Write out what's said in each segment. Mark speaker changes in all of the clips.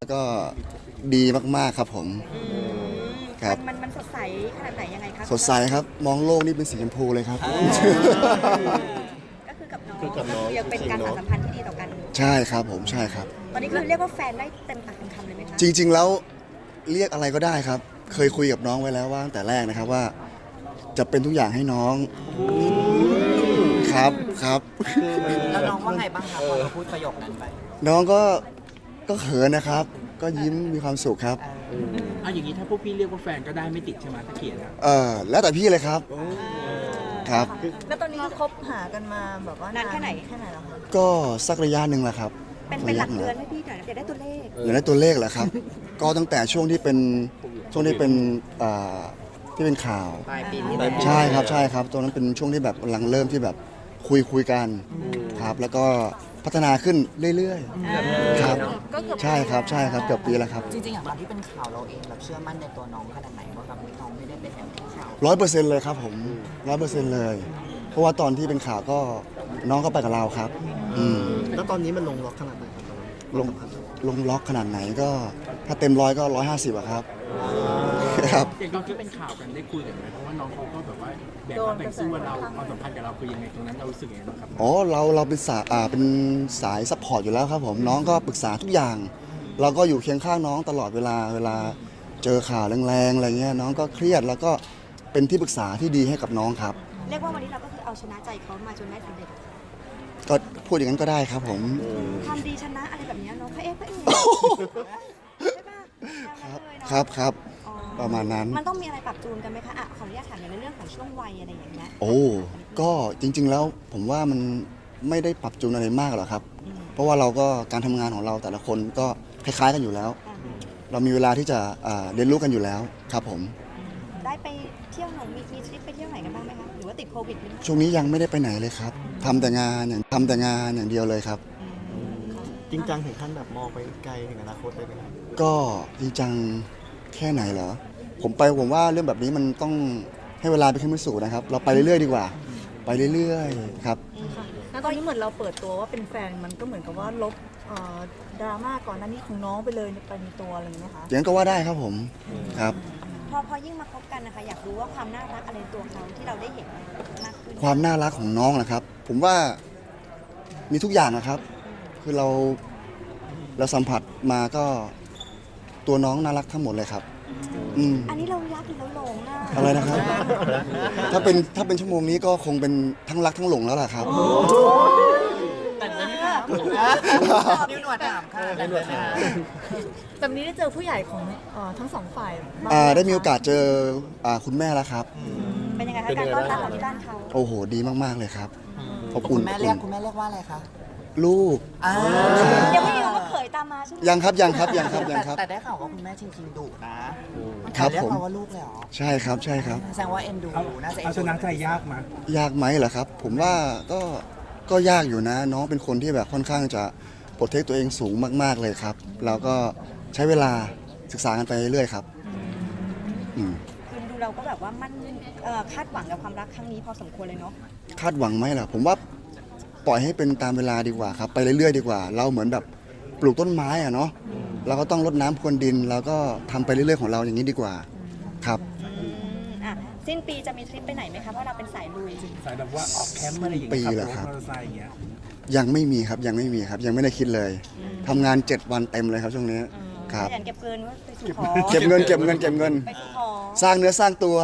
Speaker 1: ก็ดีมากๆครับผมครับ
Speaker 2: มันสดใสขนาดไหนยังไงครับ
Speaker 1: สดใสครับมองโลกนี่เป็นสีชมพูเลยครับ
Speaker 2: ก็คือกับน้องก็คือยังเป็นการสานสัมพันธ์ที่ดีต่อกัน
Speaker 1: ใช่ครับผมใช่ครับ
Speaker 2: ตอนนี้คือเรียกว่าแฟนได้เต็มปากเต็มคำเลยไหมคะ
Speaker 1: จริงๆแล้วเรียกอะไรก็ได้ครับเคยคุยกับน้องไว้แล้วว่าตั้งแต่แรกนะครับว่าจะเป็นทุกอย่างให้น้องครับ
Speaker 3: แล้วน้องว่าไงบ้างครับพอเราพูดประโยคนั้นไป
Speaker 1: น้องก็เขินนะครับก็ยิ้มมีความสุขครับ
Speaker 4: อย่างนี้ถ้าพวกพี่เรียกว่าแฟนก็ได้ไม่ติดใช่ไหมถ้าเขียน
Speaker 1: แล้วแต่พี่เลยครับครับ
Speaker 2: แล้วตอนนี้คือคบหากันมาแบบว่านานแค่ไหนแล้วคะ
Speaker 1: ก็สักระยะหนึ่งแหละครับ
Speaker 2: เป็นหลักเดือนให้พี่หน่อยอยากได้ตัวเลข
Speaker 1: อยากได้ตัวเลขเหรอครับก็ตั้งแต่ช่วงที่เป็นที่เป็นข่าว
Speaker 3: ปลายปี
Speaker 1: ใช่ครับตอนนั้นเป็นช่วงที่แบบกำลังเริ่มที่แบบคุยกันครับแล้วก็พัฒนาขึ้นเรื่อยๆครับใช่ครับเกือบปีแล้วครับ
Speaker 3: จริงๆอย่างตอนที่เป็นข่าวเราเองแบบเชื่อมั่นในตัวน้องขนาดไหนว่าครับน้องไม่ได้เป็นอย่างที่ข่าว
Speaker 1: 100%เลยครับผม100%เลยเพราะว่าตอนที่เป็นข่าวก็น้องก็ไปกับเราครับ
Speaker 5: แล้วตอนนี้มันลงล็อกขนาดไหนครับ
Speaker 1: ลงล็อกขนาดไหนก็ถ้าเต็ม100ก็150อะครับ
Speaker 4: ครับอย่างตอนที่เป็นข่าวกันได้คุยกันไหมเพราะว่าน้องเขาก็แบบว่าแบ่งสู้ว่าเราความสัมพันธ์กับเราคือยังไงตรงนั้นเรารู้สึกยังไงบ้างครับ
Speaker 1: เราเป็นสายซัพพอร์ตอยู่แล้วครับผมน้องก็ปรึกษาทุกอย่างเราก็อยู่เคียงข้างน้องตลอดเวลาเจอข่าวแรงๆอะไรเงี้ยน้องก็เครียดแล้วก็เป็นที่ปรึกษาที่ดีให้กับน้องครับ
Speaker 2: เรียกว่าวันนี้เราก็คือเอาชนะใจเขามาจนได้สำเร็จ
Speaker 1: ก็พูดอย่างนั้นก็ได้ครับผม
Speaker 2: ทำดีชนะอะไรแบบนี้น้องพระเอกใช่ป่ะ
Speaker 1: ครับประมาณนั้น
Speaker 2: มันต้องมีอะไรปรับจูนกันไหมคะขออนุญาตถามในเรื่องของช่วงวัยอะไรอย่างเงี้ย
Speaker 1: ก็จริงๆแล้วผมว่ามันไม่ได้ปรับจูนอะไรมากหรอกครับเพราะว่าเราก็การทำงานของเราแต่ละคนก็คล้ายๆกันอยู่แล้วเรามีเวลาที่จะเรียนรู้กันอยู่แล้วครับผม
Speaker 2: ได้ไปเที่ยวหนองมีทริปไปเที่ยวไหนกันบ้างไหมคะหรือว่าติดโควิด
Speaker 1: ช่วงนี้ยังไม่ได้ไปไหนเลยครับทำแต่งานอย่างเดียวเลยครับ
Speaker 5: จริงจังถึงขั้นแบบมองไปไกลถึงอนาคตเลยไหมครับ
Speaker 1: ก็จริงจังแค่ไหนเหรอผมว่าเรื่องแบบนี้มันต้องให้เวลาเป็นเครื่องพิสูจน์นะครับเราไปเรื่อยๆดีกว่าไปเรื่อยๆครับ
Speaker 2: แล้วตอนนี้เหมือนเราเปิดตัวว่าเป็นแฟนมันก็เหมือนกับว่าลบดราม่าก่อนหน้านี้ของน้องไปเลยไปในตัวอะไรอย่างเงี้ยคะ
Speaker 1: อย่างนั้นก็ว่าได้ครับผมครับ
Speaker 2: พอยิ่งมาคบกันนะคะอยากรู้ว่าความน่ารักอะไรตัวเขาที่เราได้เห็นมากขึ้น
Speaker 1: ความน่ารักของน้องนะครับผมว่ามีทุกอย่างนะครับคือเราสัมผัสมาก็ตัวน้องน่ารักทั้งหมดเลยครับ
Speaker 2: อันนี้เรารักหรือเราหลง
Speaker 1: อะไรนะครับถ้าเป็นชั่วโมงนี้ก็คงเป็นทั้งรักทั้งหลงแล้วล่ะครับ
Speaker 3: แต่นี้นิ้วหนวดถามค่ะ
Speaker 2: แบบนี้ได้เจอผู้ใหญ่ของทั้งสองฝ่าย
Speaker 1: ได้มีโอกาสเจอคุณแม่แล้วครับ
Speaker 2: เป็นยังไงคะการต้อนรับของที่บ้านเขา
Speaker 1: โอ้โหดีมากๆเลยครับ
Speaker 3: อบอุ่นคุณแม่เรียกว่าอะไรคะ
Speaker 1: ลูก
Speaker 2: ยังไม่รู้ว่าเขยตามมาใช่ไหม
Speaker 1: ยังครับ
Speaker 3: แต่ได้ข่าวว่าคุณแม่จริงๆดุนะครับ
Speaker 1: ผม
Speaker 3: เรียกว่าลูกเลยเหรอ
Speaker 1: ใช่ครับ
Speaker 3: แสดงว่าเอ็นดูน่าจะ
Speaker 4: เอาชนะใจยาก
Speaker 1: ไหมเหรอครับผมว่าก็ยากอยู่นะน้องเป็นคนที่แบบค่อนข้างจะโปรเทคตัวเองสูงมากๆเลยครับแล้วก็ใช้เวลาศึกษากันไปเรื่อยๆครับ
Speaker 2: คือดูเราก็แบบว่ามันคาดหวังกับความรักครั้งนี้พอสมควรเลยเนาะ
Speaker 1: คาดหวังไหมล่ะผมว่าปล่อยให้เป็นตามเวลาดีกว่าครับไปเรื่อยๆดีกว่าเราเหมือนแบบปลูกต้นไม้อะเนาะเราก็ต้องรดน้ำพรวนดินแล้วก็ทำไปเรื่อยๆของเราอย่างนี้ดีกว่าครับ
Speaker 2: สิ้นปีจะมีทริปไปไหนไหมคะเพราะเราเป็นสายลุย
Speaker 4: สายแบบว่าออกแคมป์อะไรอย่างเงี้ยครับมอเตอร์ไซค์อย่างเงี้ย
Speaker 1: ยังไม่มีครับยังไม่ได้คิดเลยทำงาน7 วันเต็มเลยครับช่วงนี้ครับ
Speaker 2: เก็บเงินว่าไปสู่ขอ
Speaker 1: เก็บเงินสร้างเนื้อสร้างตัว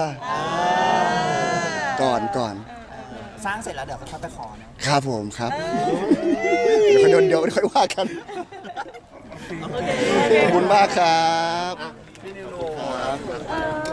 Speaker 1: ก่อน
Speaker 3: สร้างเสร็จแล้วเดี๋ยวค่อยไปขอ
Speaker 1: นะครับผมครับเดี๋ยวค่อยว่ากันขอบคุณมากครับ
Speaker 5: พี่นิว